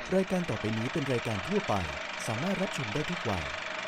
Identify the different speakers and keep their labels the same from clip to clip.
Speaker 1: รายการต่อไปนี้เป็นรายการทั่วไปสามารถรับชมได้ทุกวัย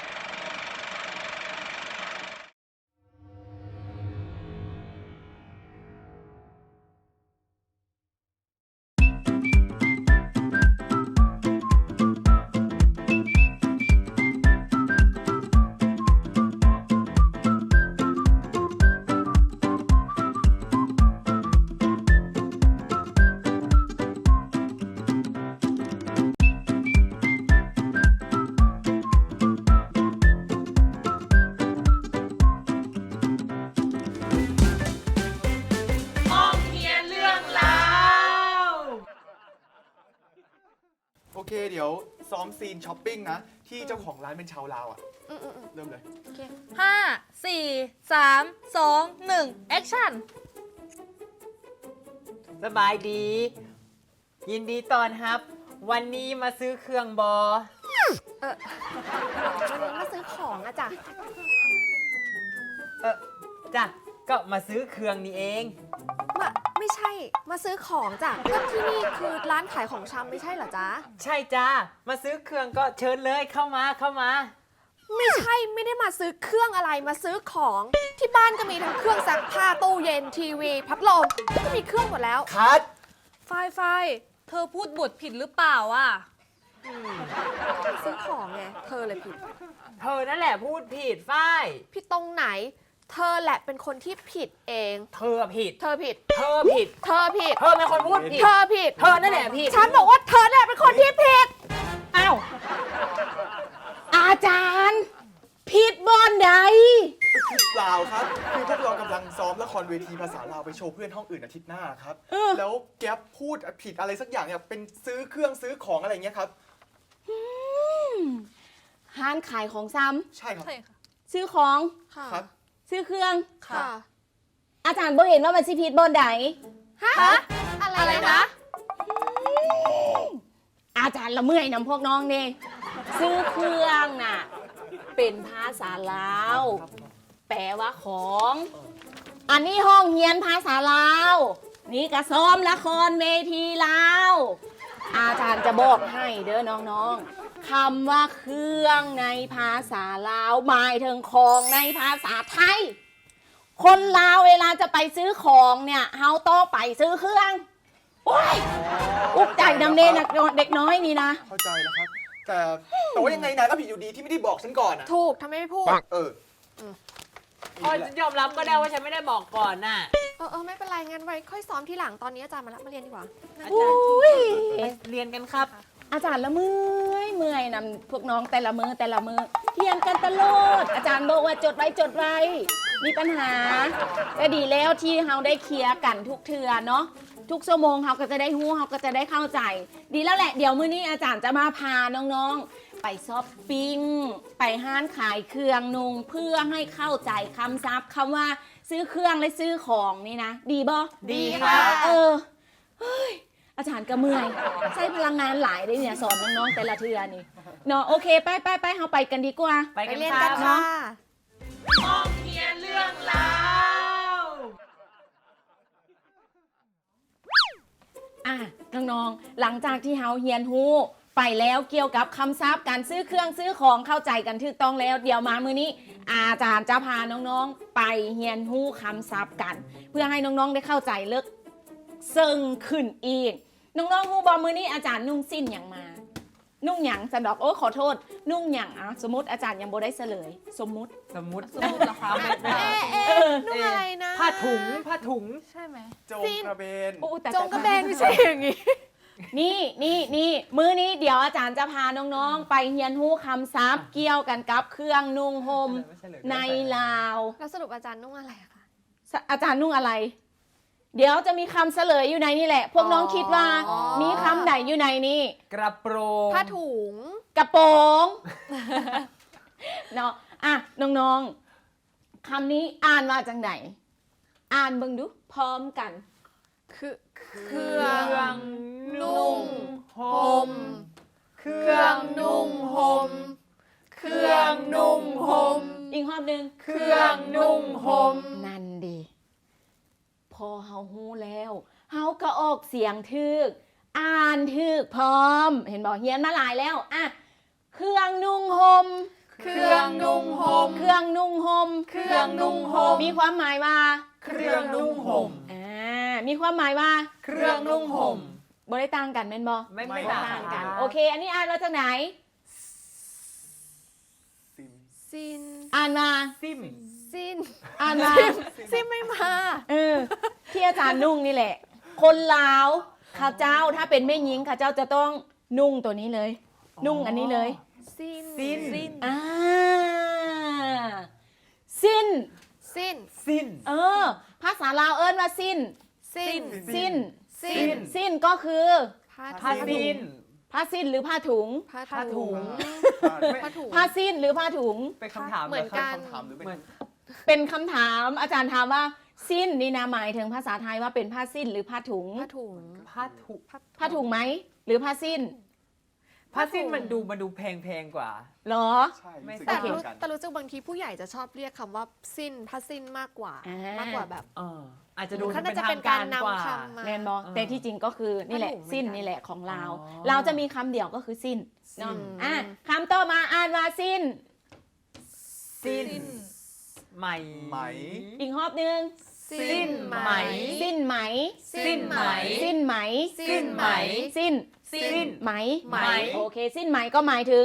Speaker 2: โอเคเดี๋ยวซ้อมซีนช้อปปิ้งนะที่เจ้าของร้านเป็นชาวลาวอ่ะเริ่มเลย
Speaker 3: โอเค5 4 3 2 1 แอคชั่น
Speaker 4: สบายดี ยินดีต้อนรับ วันนี้มาซื้อเครื่องบอ
Speaker 3: วันนี้มาซื้อของอะจ้ะ
Speaker 4: จ้ะก็มาซื้อเครื่องนี่เอง
Speaker 3: ไม่ใช่ มาซื้อของจ้ะก็ที่นี่คือร้านขายของชำไม่ใช่เหรอจ๊ะ
Speaker 4: ใช่จ้ามาซื้อเครื่องก็เชิญเลยเข้ามาเข้ามา
Speaker 3: ไม่ใช่ ไม่ได้มาซื้อเครื่องอะไร มาซื้อของ ที่บ้านก็มีทั้งเครื่องซักผ้า ตู้เย็น ทีวี พัดลม ก็มีเครื่องหมดแล้ว
Speaker 2: คัด
Speaker 5: ฝ้ายเธอพูดบทผิดหรือเปล่าอ่ะ
Speaker 3: ซื้อของไง เธอเลยผิด
Speaker 4: เธอนั่นแหละพูดผิดฝ้าย
Speaker 3: ผิดตรงไหน เธอแหละเป็นคนที่ผิดเอง
Speaker 4: เธอผิด
Speaker 3: เธอผิด
Speaker 4: เธอผิด
Speaker 3: เธอผิด
Speaker 4: เธอเป็นคนพูดผิด
Speaker 3: เธอผิด
Speaker 4: เธอนั่นแหละผิด
Speaker 3: ฉันบอกว่าเธอแหละเป็นคนที่ผิด
Speaker 6: อ้าวอาจารย์ผิดบอนใด
Speaker 2: ลาวครับคือพวกเรากำลังซ้อมละครเวทีภาษาลาวไปโชว์เพื่อนห้องอื่นอาทิตย์หน้าครับแล้วแก๊ปพูดผิดอะไรสักอย่างเนี่ยเป็นซื้อเครื่องซื้อของอะไรเงี้ยครับ
Speaker 6: ห้านขายของซ้
Speaker 2: ใช่ครับ
Speaker 5: ใช่ค่ะ
Speaker 6: ำซื้อของ
Speaker 3: ค่ะ
Speaker 2: ครับ
Speaker 6: ซื้อเครื่อง
Speaker 3: ค่ะ
Speaker 6: อาจารย์บ่เห็นว่ามันสิผิดบอนใด
Speaker 3: ฮะ อะไรนะ
Speaker 6: อาจารย์ละเมื่อยนำพวกน้องนี่ซื้อเครื่องน่ะเป็นภาษาลาว แปลว่าของ อันนี้ห้องเรียนภาษาลาว นี่กระซ้อมละครเวทีลาว อาจารย์จะบอกให้เด้อน้องๆคำว่าเครื่องในภาษาลาวหมายถึงของในภาษาไทย คนลาวเวลาจะไปซื้อของเนี่ยเฮาต้องไปซื้อเครื่อง โอ้ยอุกใจนำเนนะเด็กน้อยนี่นะ
Speaker 2: เข้าใจแล้วครับ แต่ว่ายังไงนายก็ผิดอยู่ดีที่ไม่ได้บอกฉันก่อนอ่ะ
Speaker 3: ถูกทำไมไม่พูด
Speaker 2: เออ
Speaker 4: พอฉันยอมรับก็ได้ว่าฉันไม่ได้บอกก่อนน่ะ
Speaker 3: ไม่เป็นไรงั้นไว้ค่อยซ้อมทีหลังตอนนี้อาจารย์มารับมาเรียนดีกว่า
Speaker 4: อาจารย์
Speaker 6: อุ้ย
Speaker 4: เรียนกันครับ
Speaker 6: อาจารย์ละเมื่อยนำพวกน้องแต่ละมือเทียนกันตลอดอาจารย์บอกว่าจดไว้มีปัญหาแต่ดีแล้วที่เฮาได้เคลียร์กันทุกเทื่อเนาะทุกชั่วโมงเฮาก็จะได้ฮู้เฮาก็จะได้เข้าใจ ดีแล้วแหละเดี๋ยวมื้อนี้อาจารย์จะมาพาน้องๆ ไปช้อปปิ้งไปห้านขายเครื่องนุ่งเพื่อให้เข้าใจคำศัพท์คำว่าซื้อเครื่องและซื้อของนี่นะ ดีบ่
Speaker 4: ดีค่ะ
Speaker 6: เฮ้ยอาจารย์ก็เมื่อยใช้พลังงานหลายเลยเนี่ยสอนน้องๆแต่ละเทือนี่เนาะโอเคไปเฮาไปกันดีกว่า
Speaker 4: ไป
Speaker 3: ไป
Speaker 4: กัน
Speaker 3: เรียน
Speaker 4: ค
Speaker 3: กั
Speaker 4: รั
Speaker 3: น
Speaker 4: บ
Speaker 3: ค่ะ
Speaker 6: อ่ะน้องๆหลังจากที่เฮาเฮียนฮู้ไปแล้วเกี่ยวกับคำศัพท์การซื้อเครื่องซื้อของเข้าใจกันถูกต้องแล้วเดี๋ยวมามื้อนี้ อาจารย์จะพาน้องๆไปเฮียนฮู้คำศัพท์กัน เพื่อให้น้องๆได้เข้าใจเลิกซึ่งขึ้นอีกน้องๆฮู้บอมื้อนี้อาจารย์นุ่งสิ้นอย่างมา นุ่งหยังสันดอกโอ้ขอโทษ นุ่งหยังอ่ะสมมติอาจารย์ยังบ่ได้เฉลย สมมุติ
Speaker 4: สมมุติ
Speaker 5: สมมุติเหรอคะ
Speaker 3: นุ่งอะไรนะ
Speaker 4: ผ้าถุง
Speaker 5: ใช่ไหม
Speaker 2: โจงกระเบน
Speaker 6: โอ้แต่
Speaker 3: จงกระเบนไม่ใช่อย่างงี้
Speaker 6: นี่มื้อนี้เดี๋ยวอาจารย์จะพาน้องๆ ไปเฮียนฮู้คำศัพท์เกี่ยวกันกับเครื่องนุ่งห่มในลาว
Speaker 3: แล้วสรุปอาจารย์นุ่งอะไรอะคะ
Speaker 6: อาจารย์นุ่งอะไร เดี๋ยวจะมีคำเฉลยอยู่ในนี่แหละ พวกน้องคิดว่ามีคำใดอยู่ในนี้
Speaker 4: กระโปรง
Speaker 3: ผ้าถุง
Speaker 6: กระโปรง เนาะอ่ะน้องๆคำนี้อ่านว่าจังไหนอ่านเบิ่งดูพร้อมกัน
Speaker 3: คือเค
Speaker 4: เค
Speaker 3: รื่
Speaker 4: รื่
Speaker 3: อ
Speaker 4: อง ง
Speaker 3: นุ่ง
Speaker 4: ห่มเครื่องนุ่งห่มเครื่องนุ่งห่ม
Speaker 6: อีกรอบหนึ่ง
Speaker 4: เครื่องนุ่งห่ม
Speaker 6: นั่นดีพอเฮาฮู้แล้วเฮาก็ออกเสียงทึกอ่านถึกพร้อม เห็นบอกเฮียนมาหลายแล้วอ่ะเครื่องนุ่งห่ม
Speaker 4: เครื่องนุ่งห่ม
Speaker 6: เครื่องนุ่งห่ม
Speaker 4: เครื่องนุ่งห่ม
Speaker 6: มีความหมายว่า
Speaker 4: เครื่องนุ่งห่ม
Speaker 6: มีความหมายว่า
Speaker 4: เครื่องนุ่งห่ม
Speaker 6: บ่ได้ต่างกันแม่นบ่
Speaker 4: ไม่
Speaker 2: ไม่
Speaker 4: ต่า
Speaker 6: ต่าง ง
Speaker 4: กั
Speaker 6: กัน นโอเค อันนี้อ่านมาจากไหน
Speaker 2: ซิม
Speaker 3: ซิน
Speaker 6: อ่านมา
Speaker 4: ซิม
Speaker 3: ซิน
Speaker 6: อ่านมา
Speaker 3: ซินไม่มา
Speaker 6: ที่อาจารย์นุ่งนี่แหละ คนลาวข้าเจ้าถ้าเป็นแม่หญิงข้าเจ้าจะต้องนุ่งตัวนี้เลย นุ่งอันนี้เลย
Speaker 3: ซิน
Speaker 4: ซิน
Speaker 6: อ่าสิ้น
Speaker 3: ซิน
Speaker 4: ซิน
Speaker 6: ภาษาลาวเอิ้นว่าสิ้น
Speaker 3: ซิน
Speaker 6: สิ้น
Speaker 3: ซิน
Speaker 6: สิ้นก็คือ
Speaker 4: ผ้าซิน
Speaker 6: ผ้าสิ้นหรือผ้าถุง
Speaker 3: ผ้าถุง ผ้าถุง
Speaker 6: ผ้าสิ้นหรือผ้าถุง
Speaker 4: เป็นคำถาม
Speaker 3: เหมือนกัน
Speaker 2: คำถามหรือเป็น
Speaker 4: เหมือน
Speaker 6: เป็นคำถามอาจารย์ถามว่าสิ้นนี่นะหมายถึงภาษาไทยว่าเป็นผ้าสิ้นหรือผ้าถุง
Speaker 3: ผ้าถุง
Speaker 4: ผ้าถุง
Speaker 6: ผ้าถุงไหมหรือผ้าสิ้น
Speaker 4: ผ้าซินมันดูแพงกว่า
Speaker 6: เหรอ
Speaker 2: ใช่
Speaker 4: ไม่
Speaker 2: รู้สึก
Speaker 3: แต่
Speaker 2: เหมื
Speaker 3: รู้
Speaker 2: อนกัน
Speaker 3: แต่รู้สึกบางทีผู้ใหญ่จะชอบเรียกคำว่าสิ้นผ้าสิ้นมากกว่า
Speaker 6: อ่าม
Speaker 3: มากกว่าแบบ
Speaker 4: อาจจะดู
Speaker 3: เขา
Speaker 4: เป็
Speaker 3: น่าน จะ
Speaker 4: ทา
Speaker 3: เป็น
Speaker 4: ง
Speaker 3: กา
Speaker 4: การ ร
Speaker 3: นำ
Speaker 4: กว่า
Speaker 3: คำมา
Speaker 6: แมนบอแต่ที่จริงก็คือนี่แหละ
Speaker 3: ผ้าถุงเหมือนกัน
Speaker 6: สิ้นนี่แหละของเรา
Speaker 4: อ๋อ
Speaker 6: เราจะมีคำเดียวก็คือสิ้นเนาะ
Speaker 3: อืม
Speaker 6: อ่ะคำต่อมาอ่านว่าสิ้น
Speaker 4: สิ้นไหม
Speaker 2: ไหม
Speaker 6: อีกรอบนึง
Speaker 4: สิ้นไหม
Speaker 6: สิ้นไหม
Speaker 4: สิ้นไหม
Speaker 6: สิ้นไหม
Speaker 4: สิ้นไหม
Speaker 6: สิ้น
Speaker 4: สิ้น
Speaker 6: ไหม
Speaker 4: ไหม
Speaker 6: โอเค สิ้นไหมก็หมายถึง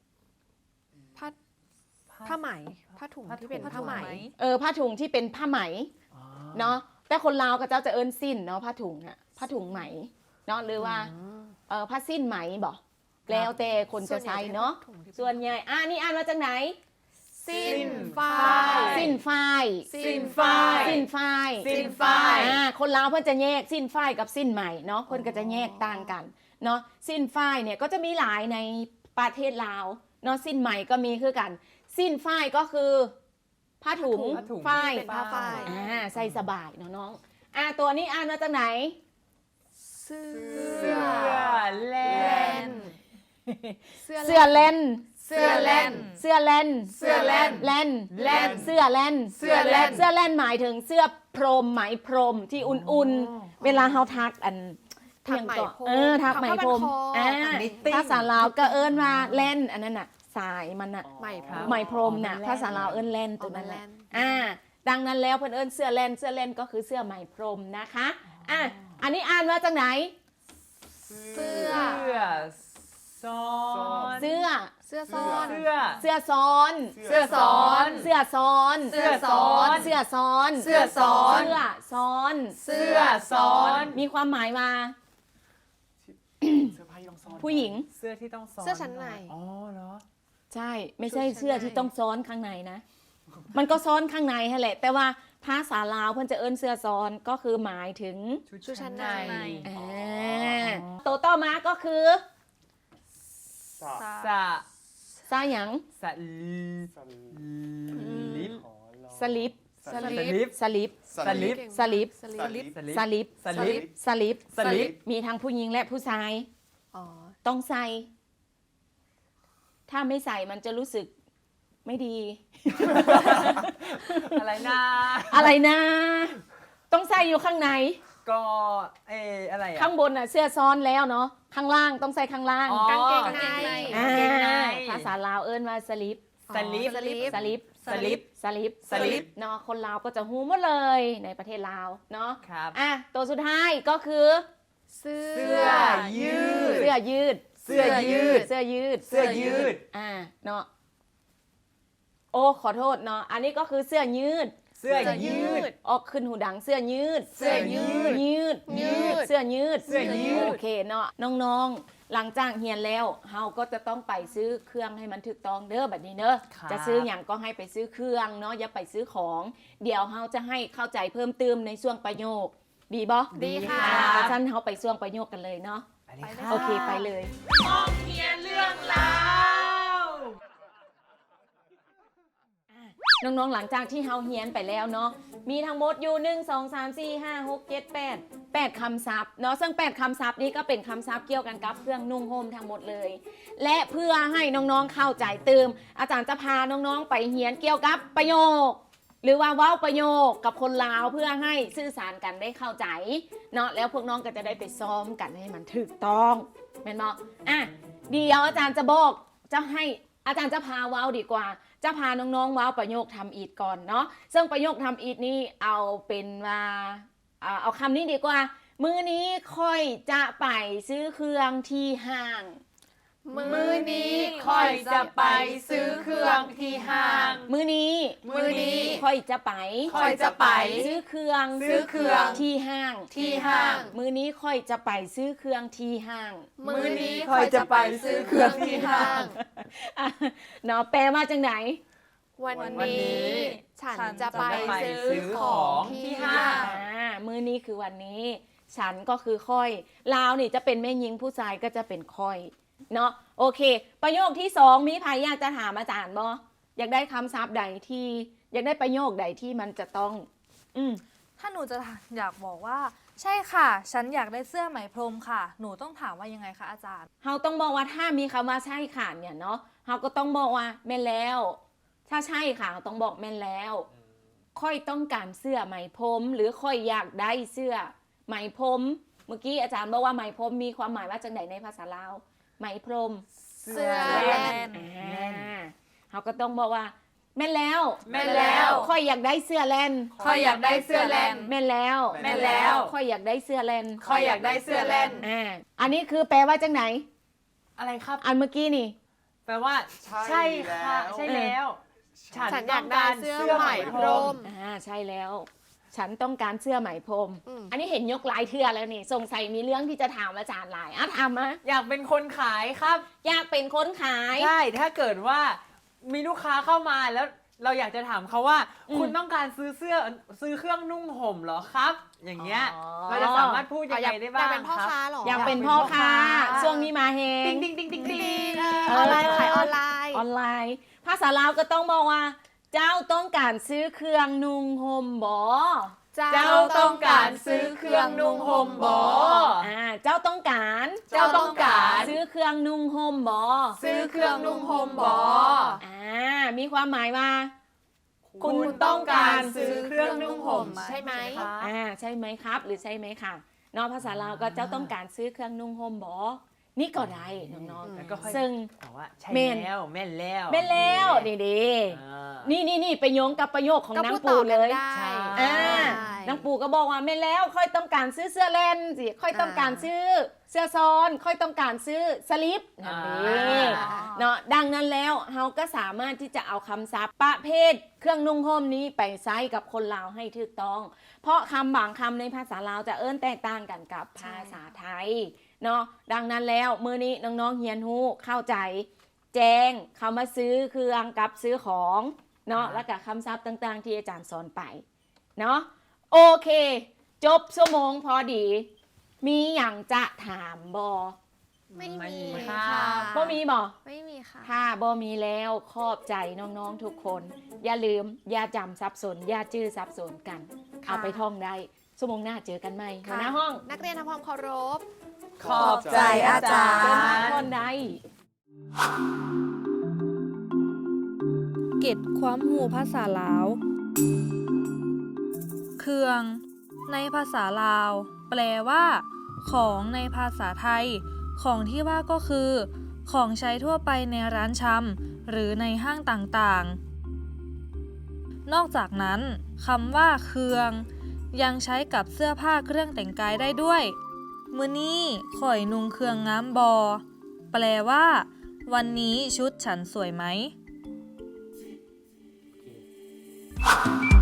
Speaker 3: ผ้าไหมผ้าถุงที่เป็นผ้าไหม
Speaker 6: ผ้าถุงที่เป็นผ้าไหมเนาะแต่คนลาวก็เจ้าจะเอิ้นสิ้นเนาะผ้าถุงอะผ้าถุงไหมเนาะหรือว่าผ้าสิ้นไหมบอกแล้วแต่คนจะใช้เนาะส่วนใหญ่นี่อ่านมาจากไหน
Speaker 3: สิ้นฝ้า
Speaker 6: สิ้นฝ้าย
Speaker 4: สิ้นฝ้าย
Speaker 6: สิ้นฝ้าย
Speaker 4: สิ้นฝ้าย
Speaker 6: คนลาวเพิ่นจะแยกสิ้นฝ้ายกับสิ้นไหมเนาะคนก็จะแยกต่างกันเนาะสิ้นฝ้ายเนี่ยก็จะมีหลายในประเทศลาวเนาะสิ้นไหมก็มีคือกัน สิ้นฝ้ายก็คือผ้าถุง
Speaker 4: ผ้าถุง
Speaker 6: ฝ้าย
Speaker 3: เป็นผ้าฝ้าย
Speaker 6: ใส่สบายเนาะน้องตัวนี้อ่านมาจากไหน
Speaker 3: เสื้
Speaker 4: เสื้
Speaker 3: อ
Speaker 4: อแล
Speaker 3: แล
Speaker 4: น
Speaker 3: นเสื้อ
Speaker 6: เสื้อเล่น
Speaker 3: เสื้อแลน
Speaker 6: เสื้อเล่น
Speaker 3: เสื้อแลน
Speaker 6: เล่น
Speaker 3: แล่น
Speaker 6: เสื้อเล่น
Speaker 3: เสื้อแล่น
Speaker 6: เสื้อเล่นหมายถึงเสื้อพรมไหมพรมที่อุ่นๆ เวลาเฮาทักอัน
Speaker 3: ถักไหมพรม
Speaker 6: ทักไหมพรม
Speaker 3: ถักผ้าพันคอ
Speaker 4: knitting
Speaker 6: ภาษาลาวก็เอิ้นว่าเล่นอันนั้นน่ะสายมันน่ะ
Speaker 3: ไหมพรม
Speaker 6: ไหมพรมน่ะ
Speaker 4: อ๋อ
Speaker 6: ภาษาลาวเอิ้นเล่นตัวนั้นแหละ
Speaker 3: อ๋อ
Speaker 6: ดังนั้นแล้วเพิ่นเอิ้นเสื้อเล่นเสื้อเล่นก็คือเสื้อไหมพรมนะคะอันนี้อ่านมาจากไหน
Speaker 3: เสื้อ
Speaker 4: เสื้อซ้อน
Speaker 6: เสื้อ
Speaker 3: เสื้อซ้อน
Speaker 4: เสื้อ
Speaker 6: เสื้อซ้อน
Speaker 3: เสื้อซ้อน
Speaker 6: เสื้อซ้อน
Speaker 3: เสื้อซ้อน
Speaker 6: เสื้อซ้อน
Speaker 3: เสื้อซ้อน
Speaker 6: เสื้อซ้อน
Speaker 4: เสื้อซ้อน
Speaker 6: มีความหมายว่า
Speaker 2: เสื้อผ้าที่ต้องซ่อน
Speaker 6: ผู้หญิง
Speaker 4: เสื้อที่ต้องซ้อน
Speaker 3: เสื้อชั้นใน
Speaker 4: อ๋อเหรอ
Speaker 6: ใช่ ไม่ใช่
Speaker 3: ชุดชั้น
Speaker 6: เสื้อที่
Speaker 3: ใน
Speaker 6: ต้องซ้อนข้างในนะ มันก็ซ้อนข้างในนั่นแหละ แต่ว่าภาษาลาวเพิ่นจะเอิ้นเสื้อซ้อนก็คือหมายถึง
Speaker 3: ชุดชั้นใน
Speaker 6: ตัวต่อมาก็คือ
Speaker 2: สะ
Speaker 4: สะ
Speaker 6: ซาหยัง
Speaker 4: สะลิป
Speaker 6: สลิป
Speaker 3: สลิป
Speaker 6: สลิป
Speaker 4: สลิป
Speaker 6: สลิป
Speaker 3: สลิป
Speaker 6: สลิป
Speaker 4: สลิป
Speaker 6: สลิป
Speaker 4: สลิป
Speaker 6: มีทั้งผู้หญิงและผู้ชาย
Speaker 3: อ๋อ
Speaker 6: ต้องใส่ ถ้าไม่ใส่มันจะรู้สึกไม่ดี
Speaker 4: อะไรนะ
Speaker 6: อะไรนะ ต้องใส่อยู่ข้างใน
Speaker 4: ก็อะไรอะ
Speaker 6: ข้างบนน่ะเสื้อซ้อนแล้วเนาะ ข้างล่างต้องใส่ข้างล่าง
Speaker 4: อ๋อก
Speaker 3: างเกงใน
Speaker 6: อ่า
Speaker 4: เกงใน
Speaker 6: ภาษาลาวเอิ้นว่าสลิป
Speaker 4: สลิป
Speaker 3: สลิป
Speaker 6: สลิป
Speaker 4: สลิป
Speaker 6: สลิป
Speaker 4: สลิป
Speaker 6: เนาะ คนลาวก็จะฮู้หมดเลยในประเทศลาว เนาะ
Speaker 4: ครับ
Speaker 6: ตัวสุดท้ายก็คือ
Speaker 3: เสื้
Speaker 4: เสื้อยืด
Speaker 6: เสื้อยืด
Speaker 4: เสื้อยืด
Speaker 6: เสื้อยืด
Speaker 4: เสื้อยืด
Speaker 6: เนาะ โอ้ ขอโทษเนาะ อันนี้ก็คือเสื้อยืด
Speaker 4: เสื้อยืด
Speaker 6: ออกขึ้นหูดังเสื้อยืด
Speaker 4: เสื้อยืด
Speaker 6: ยืด เสื้อยืด
Speaker 4: เสื้อยืด
Speaker 6: โอเคเนาะ น้องๆ หลังจากเฮียนแล้วเฮาก็จะต้องไปซื้อเครื่องให้มันถูกต้องเด้อแบบนี้เด้อ
Speaker 4: ครับ
Speaker 6: จะซื้ออย่างก็ให้ไปซื้อเครื่องเนาะ อย่าไปซื้อของ เดี๋ยวเฮาจะให้เข้าใจเพิ่มเติมในช่วงประโยค ดีบ่
Speaker 3: ดีค่ะ
Speaker 6: เพราะฉะนั้นเฮาไปช่วงประโยคกันเลยเนาะ
Speaker 4: ไปเลยค่ะ
Speaker 6: โอเคไปเลย น้องๆ หลังจากที่เฮาเฮียนไปแล้วเนาะ มีทั้งหมดอยู่ 1 2 3 4 5 6 7 8คำศัพท์เนาะ ซึ่ง8คำศัพท์นี้ก็เป็นคำศัพท์เกี่ยวกันกับเครื่องนุ่งห่มทั้งหมดเลย และเพื่อให้น้องๆ เข้าใจเติม อาจารย์จะพาน้องๆ ไปเฮียนเกี่ยวกับประโยคหรือว่าเว้าประโยคกับคนลาวเพื่อให้สื่อสารกันได้เข้าใจเนาะแล้วพวกน้องก็จะได้ไปซ้อมกันให้มันถูกต้องแม่นบ่อ่ะเดี๋ยวอาจารย์จะบอกจะให้อาจารย์จะพาเว้าดีกว่าจะพาน้องๆเว้าประโยคทำอีทก่อนเนาะซึ่งประโยคทำอีทนี้เอาเป็นว่าเอาคำนี้ดีกว่ามื้อนี้ค่อยจะไปซื้อเครื่องที่ห้าง
Speaker 4: มื้อนี้ค่อยจะไปซื้อเครื่องที่ห้าง
Speaker 6: มื้อนี้ ค่อยจะไป ซื้อเครื่อง ที่ห้าง มื้อนี้ค่อยจะไปซื้อเครื่องที่ห้าง
Speaker 4: มื้อนี้ค่อยจะไปซื้อเครื่องที่ห้าง
Speaker 6: อ่ะเนาะแปลว่าจังไหน
Speaker 3: วัน
Speaker 4: วันนี้
Speaker 3: นี้ฉันจะไป
Speaker 4: ซื้อ
Speaker 3: ซื้อของที่ห้าง
Speaker 6: มื้อนี้คือวันนี้ ฉันก็คือค่อยลาวนี่จะเป็นแม่หญิงผู้ชายก็จะเป็นค่อยเนาะโอเค ประโยคที่สองมีใครอยากจะถามอาจารย์บ่อยากได้คำศัพท์ใดที่อยากได้ประโยคใดที่มันจะต้อง
Speaker 5: ถ้าหนูจะอยากบอกว่า ใช่ค่ะ ฉันอยากได้เสื้อไหมพรมค่ะ หนูต้องถามว่ายังไงคะอาจารย์
Speaker 6: เราต้องบอกว่าถ้ามีคำว่าใช่ค่ะเนี่ยเนาะเราก็ต้องบอกว่าแม่นแล้ว ถ้าใช่ค่ะเราต้องบอกแม่นแล้ว ค่อยต้องการเสื้อไหมพรมหรือค่อยอยากได้เสื้อไหมพรมเมื่อกี้อาจารย์บอกว่าไหมพรมมีความหมายว่าจังไหนในภาษาลาวไหมพรม
Speaker 3: เสื้อแล่น
Speaker 6: เขาก็ต้องบอกว่าแม่นแล้ว
Speaker 4: แม่นแล้ว
Speaker 6: ค่อยอยากได้เสื้อแลน
Speaker 4: ค่อยอยากได้เสื้อแลน
Speaker 6: แม่นแล้ว
Speaker 4: แม่นแล้ว
Speaker 6: ค่อยอยากได้เสื้อแลน
Speaker 4: ค่อยอยากได้เสื้อแลน
Speaker 6: อันนี้คือแปลว่าจังไหน
Speaker 4: อะไรครับ
Speaker 6: อันเมื่อกี้นี่
Speaker 4: แปลว่า ใช่ค่ะ ใช่แล้ว
Speaker 3: ฉันอยากได้เสื้อไหมพรม
Speaker 6: ใช่แล้ว ฉันต้องการเสื้อไหมพรม
Speaker 3: อืม
Speaker 6: อันนี้เห็นยกหลายเทื่อแล้วนี่สงสัยมีเรื่องที่จะถามอาจารย์หลายถามมา
Speaker 4: อยากเป็นคนขายครับ
Speaker 6: อยากเป็นคนขาย
Speaker 4: ใช่ ถ้าเกิดว่ามีลูกค้าเข้ามาแล้วเราอยากจะถามเขาว่า คุณต้องการซื้อเครื่องนุ่งห่มเหรอครับ อย่างเงี้ย เราจะสามารถพูดยังไงได้บ้าง
Speaker 3: อยากเป็นพ่อ
Speaker 4: ครับ
Speaker 3: ค้าเหรอ
Speaker 6: อยากเป็นพ่อค้า ช่วงนี้มาเฮง
Speaker 4: ติ๊งติ๊งติ๊งติ๊งติ๊ง
Speaker 3: ออนไลน์ขายออนไลน์
Speaker 6: ออนไลน์ ภาษาลาวก็ต้องบอกว่า เจ้าต้องการซื้อเครื่องนุ่งห่มบ่
Speaker 4: เจ้าต้องการซื้อเครื่องนุ่งห่มบ่
Speaker 6: เจ้าต้องการ
Speaker 4: เจ้าต้องการ
Speaker 6: ซื้อเครื่องนุ่งห่มบ่
Speaker 4: ซื้อเครื่องนุ่งห่มบ่
Speaker 6: มีความหมายว่า
Speaker 4: คุณต้องการซื้อเครื่องนุ่งห่ม
Speaker 3: ใช่ไหม
Speaker 6: ใช่ไหมครับ หรือใช่ไหมค่ะเนอกภาษาลาวก็เจ้าต้องการซื้อเครื่องนุ่งห่มบ่นี่ก็ได้น้อง
Speaker 4: แล้วก็ค่อย
Speaker 6: ๆซึ่ง
Speaker 4: บอกว่าใช่
Speaker 6: แม่น
Speaker 4: แล้วแม่นแล้ว
Speaker 6: เป็นแล้วดี
Speaker 4: อ่า
Speaker 6: นี่ไปโยงกับประโยคของ
Speaker 3: ก็
Speaker 6: นาง
Speaker 3: พูด
Speaker 6: ปู
Speaker 3: ต่อ
Speaker 6: เล
Speaker 3: กัน
Speaker 6: ย
Speaker 3: ได้
Speaker 4: ใช่
Speaker 6: นางปูก็บอกว่าแม่นแล้วค่อยต้องการซื้อเสื้อแลนสิค่อยต้องการซื้อเสื้อซ้อนค่อยต้องการซื้อสลิปนั่นเองเนาะดังนั้นแล้วเราก็สามารถที่จะเอาคำศัพท์ประเภทเครื่องนุ่งห่มนี้ไปใช้กับคนลาวให้ถูกต้อง เพราะคำบางคำในภาษาลาวจะแตกต่างกันกับภาษาไทยเนาะดังนั้นแล้วมื้อนี้น้องๆเฮียนฮู้เข้าใจแจ้งคำว่าซื้อเครื่องกับซื้อของเนาะแล้วก็คำศัพท์ต่างๆ ที่อาจารย์สอนไปเนาะโอเค จบชั่วโมงพอดี มีอย่างจะถามบอ
Speaker 3: ไม่มี
Speaker 4: ค่ะ
Speaker 3: ค่ะ
Speaker 6: บ่มีบอ
Speaker 3: ไม่มีค่ะ
Speaker 6: ถ้าบ่มีแล้วขอบใจน้องๆทุกคน อย่าลืมอย่าจำสับสนอย่าจื้อสับสนกัน
Speaker 3: ค่ะ
Speaker 6: เอาไปท่องได้ชั่วโมงหน้าเจอกันไหมหัวหน้าห้อง
Speaker 3: นักเรียนทำความเคารพ
Speaker 4: ขอบใจอาจาร
Speaker 6: เจอกัน
Speaker 4: ย์
Speaker 6: คนใด
Speaker 5: เก็ดความหูภาษาลาว เครื่อง ในภาษาลาว แปลว่า ของในภาษาไทย ของที่ว่าก็คือ ของใช้ทั่วไปในร้านชำหรือในห้างต่างๆ นอกจากนั้นคำว่าเครื่อง ยังใช้กับเสื้อผ้าเครื่องแต่งกายได้ด้วย มื้อนี้ข่อยนุงเครื่องงามบอ แปลว่า วันนี้ชุดฉันสวยไหม